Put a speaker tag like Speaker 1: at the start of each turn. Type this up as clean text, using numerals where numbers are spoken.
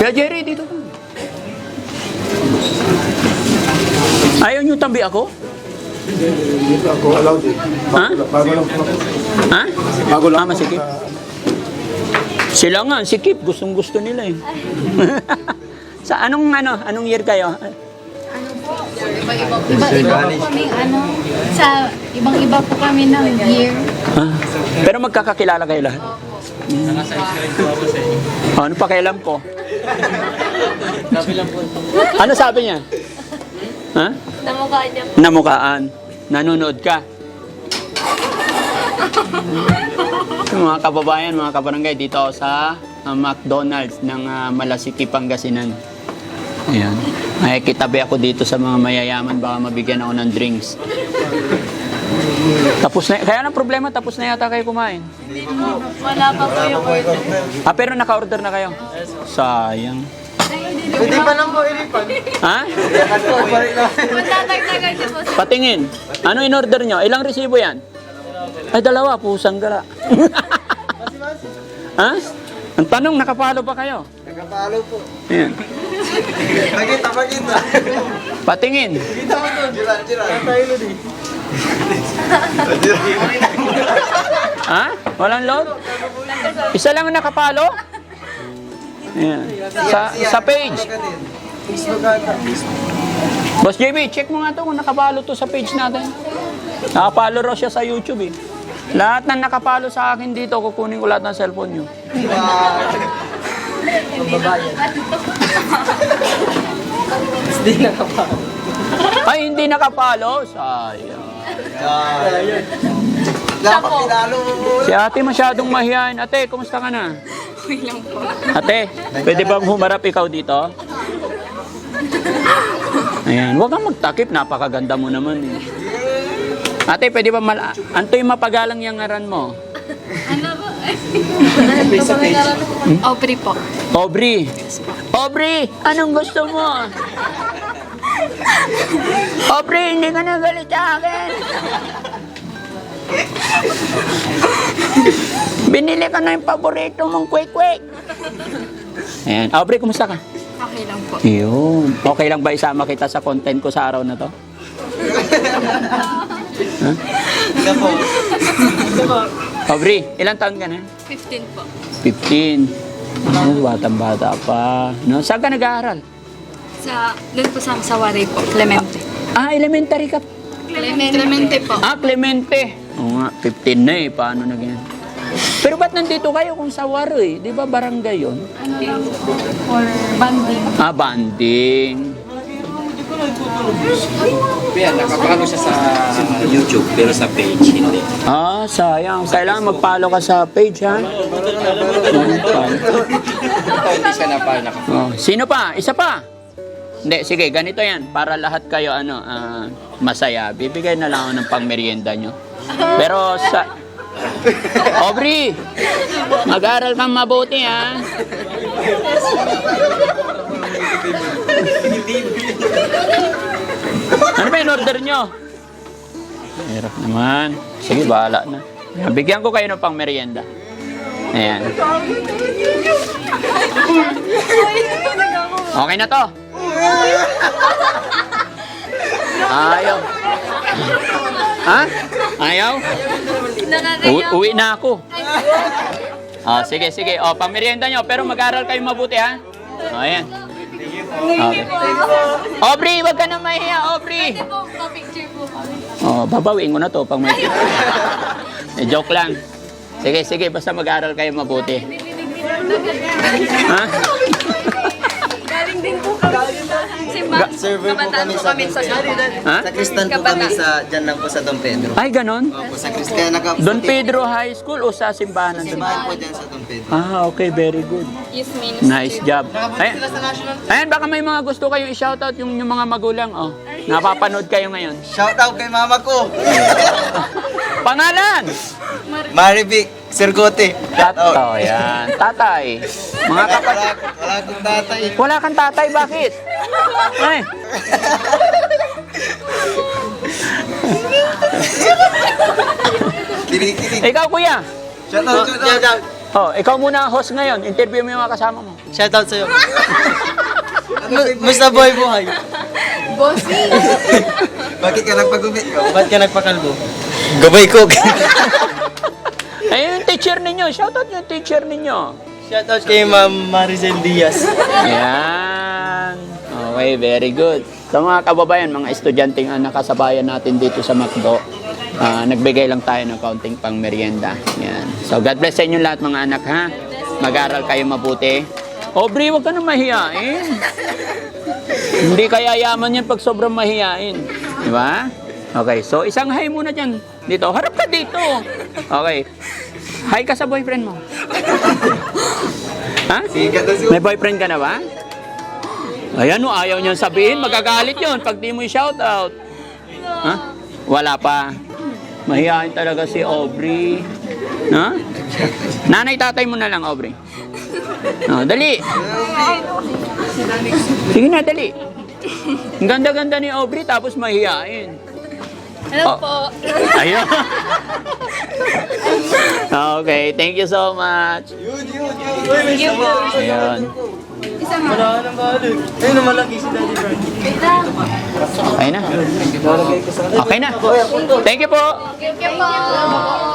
Speaker 1: Kaya Jerry, dito ka. Ayaw niyo tabi ako?
Speaker 2: Dito ako allowed eh.
Speaker 1: Ha?
Speaker 2: Bago lang po.
Speaker 1: Ha?
Speaker 2: Bago lang po.
Speaker 1: Masikip. Sila nga, sikip. Gustong-gusto nila eh. Sa anong year kayo?
Speaker 3: Iba-iba po kami, sa ibang-iba po kami ng year.
Speaker 1: Ha? Pero magkakakilala kayo lahat? Ano pa kailam ko? Ano sabi niya? Ha?
Speaker 3: Namukha niya po.
Speaker 1: Namukaan. Nanonood ka. Mga kababayan, mga kabarangay, dito ako sa McDonald's ng Malasiki, Pangasinan. Ayan. Ay, kitabi ako dito sa mga mayayaman, baka mabigyan ako ng drinks. Tapos na, kaya ang problema, tapos na yata kayo kumain.
Speaker 3: Wala pa po yung order.
Speaker 1: Pero naka-order na kayo? Sayang.
Speaker 4: Hindi pa lang po ilipan.
Speaker 1: Ha?
Speaker 3: Magtatagtagan niyo po.
Speaker 1: Patingin. Ano in-order nyo? Ilang resibo yan? Ay, dalawa. Pusang gara. Ha? Ang tanong, nakapalo ba kayo?
Speaker 4: Nagkapalo po.
Speaker 1: Ayan.
Speaker 4: Magita.
Speaker 1: Patingin.
Speaker 4: Kita mo to. Jira. Tayo lo di.
Speaker 1: Ha? Walang load? Isa lang ang nakapalo? Ayan. Sa page. Boss JB, check mo nga to kung nakapalo to sa page natin. Nakapalo raw siya sa YouTube eh. Lahat ng nakapalo sa akin dito, kukunin ko lahat ng cellphone nyo.
Speaker 4: Hindi nakapalo.
Speaker 1: Ay, hindi nakapalo? Sayang.
Speaker 4: Dapat pinalo mo.
Speaker 1: Si ate masyadong mahihain. Ate, kumusta ka na?
Speaker 3: Okay lang po.
Speaker 1: Ate, pwede bang humarap ikaw dito? Ayan, huwag kang magtakip. Napakaganda mo naman eh. Ate, pwede ba Antoy mapagalang yung ngaran mo?
Speaker 3: Ano po? Aubrey po.
Speaker 1: Aubrey. Aubrey, anong gusto mo? Aubrey, hindi ka na galit sa akin. Binili ka na yung paborito mong kwek-kwek. Ayan. Aubrey, kumusta ka?
Speaker 3: Okay lang po.
Speaker 1: Yun. Okay lang ba isama kita sa content ko sa araw na to? Huh?
Speaker 4: Ito po.
Speaker 1: Aubrey, ilang taon ka na?
Speaker 3: 15 po.
Speaker 1: 15. Batang-bata pa. No? Saan ka nag-aaral?
Speaker 3: Doon po sa Sawari po. Clemente.
Speaker 1: Elementary ka.
Speaker 3: Clemente po.
Speaker 1: Clemente. Oo nga, 15 na eh. Paano na ganyan? Pero ba't nandito kayo kung sa Waro eh? Di ba barangay yun?
Speaker 3: Ano lang po? For banding.
Speaker 1: Banding.
Speaker 5: Yan, nakapalo siya sa YouTube pero sa page hindi.
Speaker 1: Sayang. Kailangan mag-follow ka sa page, ha?
Speaker 5: Hindi siya napalo.
Speaker 1: Sino pa? Isa pa? Hindi, sige, ganito yan. Para lahat kayo, masaya. Bibigay na lang ako ng pangmerienda nyo. Pero sa... Aubrey! Mag-aral kang mabuti, ha? Ano ba yung order nyo? Hirap naman. Sige, bahala na. Bigyan ko kayo ng pang merienda. Ayan. Okay na to. Ayaw. Ha? Ayaw? Uwi na ako. Sige. Pang merienda nyo. Pero mag-aral kayo mabuti, ha? Ayan. Okay. Aubrey, wag ka na mahiya, Aubrey.
Speaker 3: Pwede po, pa-picture po.
Speaker 1: Babawiin ko na to pag may... joke lang. Sige, basta mag-aral kayo mabuti. Ha?
Speaker 3: Galing din po kami sa simbahan.
Speaker 4: Server po kami sa
Speaker 1: Ha?
Speaker 4: Sa Kristan po kami sa dyan lang po sa Don Pedro.
Speaker 1: Ay, ganon?
Speaker 4: Opo, sa Kristan.
Speaker 1: Don Pedro High School o sa simbahan ng Don
Speaker 4: Simbahan
Speaker 1: Pedro?
Speaker 4: po dyan sa Don Pedro.
Speaker 1: Okay, very good.
Speaker 3: Youth ministry.
Speaker 1: Nice job. Ayan, baka may mga gusto kayong i-shoutout yung mga magulang. Napapanood kayo ngayon.
Speaker 4: Shout out kay mama ko.
Speaker 1: Pangalan!
Speaker 4: Marivic Sergote.
Speaker 1: Tato, yan. Tatay. Mga kapatid.
Speaker 4: Wala akong tatay.
Speaker 1: Wala kang tatay, bakit? Ay.
Speaker 4: Kinig.
Speaker 1: Ikaw, kuya.
Speaker 4: Shout out.
Speaker 1: Ikaw muna ang host ngayon. Interview mo yung mga kasama mo.
Speaker 4: Shoutout sa'yo. Musta boy buhay?
Speaker 3: Bossing!
Speaker 4: Bakit ka nagpagupit ko? Ba't ka nagpakalbo? Gabay ko.
Speaker 1: Ayun yung teacher ninyo. Shoutout yung teacher ninyo.
Speaker 4: Shoutout kay Ma'am Maricel Diaz.
Speaker 1: Yan. Okay, very good. Sa mga kababayan, mga estudyanteng nakasabayan natin dito sa McDo, nagbigay lang tayo ng kaunting pang merienda. Yan. So, God bless sa inyo lahat mga anak, ha? Mag-aral kayo mabuti. Aubrey, huwag ka na mahiyain. Hindi kaya yaman yan pag sobrang mahiyain. Di ba? Okay, so isang hi muna dyan. Dito, harap ka dito. Okay. Hi ka sa boyfriend mo. Ha? May boyfriend ka na ba? Ayan o, ayaw niyang sabihin. Magagalit yun pag di mo i-shoutout. Ha? Wala pa. Mahihain talaga si Aubrey. Ha? Nanay, tatay mo na lang, Aubrey. Oh, dali. Sige na, dali. Ang ganda-ganda ni Aubrey tapos mahihain.
Speaker 3: Hello po.
Speaker 1: Ayun. Okay, thank you so much.
Speaker 3: Thank you po.
Speaker 1: Ayun.
Speaker 3: Isa nga.
Speaker 4: Wala ka nang balik. Ayun na malaki si Daddy Frank.
Speaker 3: Wait lang.
Speaker 1: Okay na. Okay na. Thank you po.
Speaker 3: Thank you po.